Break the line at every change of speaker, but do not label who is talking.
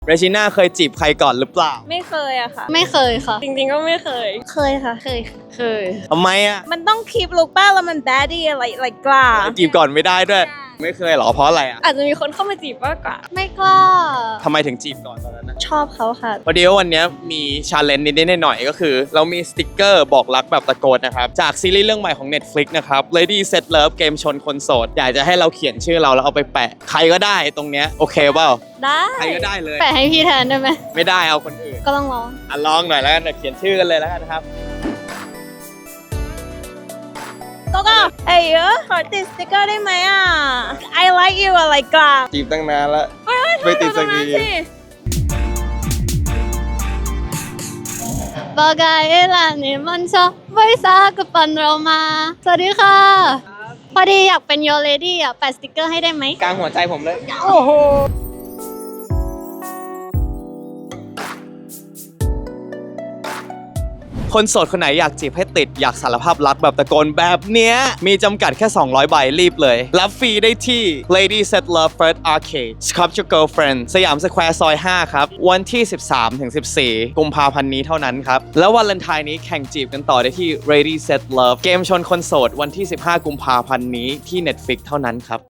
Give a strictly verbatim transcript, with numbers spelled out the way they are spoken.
เรจิน่าเคยจีบใครก่อนหรือเปล่า
ไม่เคยอะค่ะ
ไม่เคยค่ะ
จริงๆก็ไม่เคยเคยค่ะ
เคยเคย
ทำไมอ่ะ
มันต้องคีบลุกป้าแล้วมันแบดดี้อะไรอะไรกล้า
จีบก่อนไม่ได้ด้วยไม่เคยหรอเพราะอะไรอ่ะ
อาจจะมีคนเข้ามาจีบมากกว่า
ไม่กล้า
ทำไมถึงจีบก่อนตอนนั้นนะ
ชอบเขาค่ะ
พอดีว่าวันนี้มีชาเลนจ์นิดๆหน่อยๆก็คือเรามีสติกเกอร์บอกรักแบบตะโกนนะครับจากซีรีส์เรื่องใหม่ของ Netflix นะครับ Lady Set Love เกมชนคนโสดอยากจะให้เราเขียนชื่อเราแล้วเอาไปแปะใครก็ได้ตรงเนี้ยโอเคเปล่า
ได้
ใครก็ได้เลย
แปะให้พี่แทนได้ไหม
ไม่ได้เอาคนอื่น
ก็ต้องร้อง
อ่ะลองหน่อยแล้วกันเขียนชื่อกันเลยแล้วกันครับ
ก็ก็เอ้ยขอติดสติกเกอร์ได้ไหมอ่ะ I like you อะไรกล้า
จีบตั้งนานแล้วไม่ติดสักที
Bagaimana bisa kepanroma สวัสดีค่ะพอดีอยากเป็น Your Lady อ่ะแปะสติกเกอร์ให้ได้ไหม
กลางหัวใจผมเลยโอ้โหคนโสดคนไหนอยากจีบให้ติดอยากสารภาพรักแบบตะโกนแบบเนี้ยมีจำกัดแค่สองร้อยใบรีบเลยรับฟรีได้ที่ Lady Set Love First Arcade Sculpture Girlfriend สยามสแควร์ซอยห้าครับวันที่ สิบสามถึงสิบสี่ กุมภาพันธ์นี้เท่านั้นครับแล้ววันวาเลนไทน์นี้แข่งจีบกันต่อได้ที่ Lady Set Love เกมชนคนโสดวันที่ สิบห้า กุมภาพันธ์นี้ที่ Netflix เท่านั้นครับ